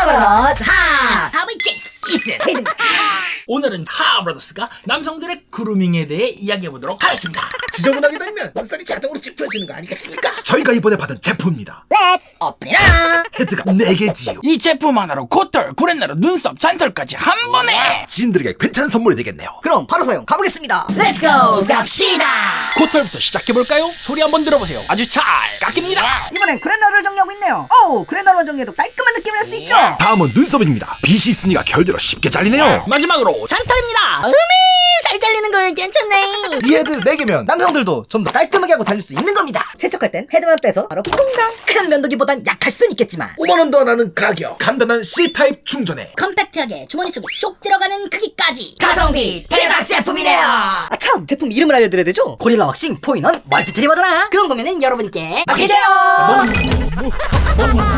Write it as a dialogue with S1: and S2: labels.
S1: 하브러스 하
S2: 하브치스
S1: 키스 헤드입니다.
S3: 오늘은 하브러스가 남성들의 그루밍에 대해 이야기해보도록 하겠습니다.
S4: 지저분하게 다니면 눈살이 자동으로 찌푸려지는 거 아니겠습니까?
S5: 저희가 이번에 받은 제품입니다.
S1: 렛츠 오픈이라.
S5: 헤드가 4개지요.
S3: 이 제품 하나로 코털, 구렛나루, 눈썹, 잔털까지 한 번에!
S5: 지인들에게 괜찮은 선물이 되겠네요.
S1: 그럼 바로 사용 가보겠습니다. 렛츠고 갑시다.
S3: 코털부터 시작해볼까요? 소리 한번 들어보세요. 아주 잘 깎입니다.
S1: 이번엔 그랜나루를 정리하고 있네요. 오, 그랜나루만 정리해도 깔끔한 느낌을 낼 수 있죠.
S5: 다음은 눈썹입니다. 빗이 있으니까 결대로 쉽게 잘리네요.
S3: 마지막으로
S2: 잔털입니다. 잘 잘리는 거 괜찮네.
S1: 이 헤드 4개면 남성들도 좀 더 깔끔하게 하고 달릴 수 있는 겁니다. 세척할 땐 헤드만 빼서 바로 퐁당. 큰 면도기보단 약할 순 있겠지만
S4: 5만원 더 나는 가격.
S5: 간단한 C타입 충전에
S2: 컴팩트하게 주머니 속에 쏙 들어가는 크기까지.
S1: 가성비 대박 제품이네요. 아참, 제품 이름을 알려드려야 되죠? 고릴라 왁싱 포인원 멀티트리머잖아.
S2: 그런 거면은 여러분께
S1: 맡기세요.